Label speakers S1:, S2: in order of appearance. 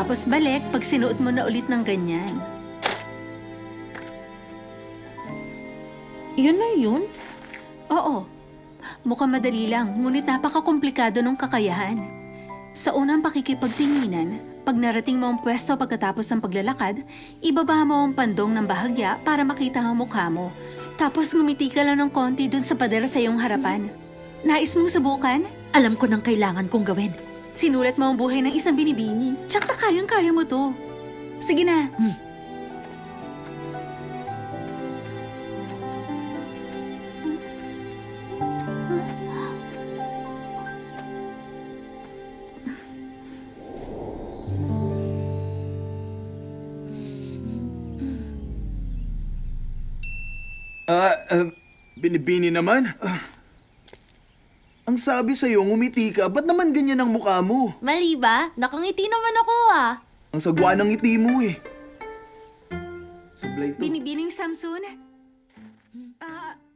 S1: Tapos balik pag sinuot mo na ulit ng ganyan.
S2: Yun na yun?
S1: Oo. Mukhang madali lang, ngunit napakakomplikado ng kakayahan. Sa unang pakikipagtinginan, pag narating mo ang pwesto pagkatapos ng paglalakad, ibaba mo ang pandong ng bahagya para makita ang mukha mo. Tapos ngumiti ka lang ng konti dun sa pader sa iyong harapan. Nais mong subukan?
S2: Alam ko nang kailangan kong gawin.
S1: Sinulat mo ang buhay ng isang binibini. Tsaka kayang-kaya mo to. Sige na.
S3: Binibini naman? Ang sabi sa'yo, ngumiti ka. Ba't naman ganyan ang mukha mo?
S2: Mali ba? Nakangiti naman ako ah.
S3: Ang sagwa ng ngiti mo eh. Sablay to.
S1: Binibining Samson?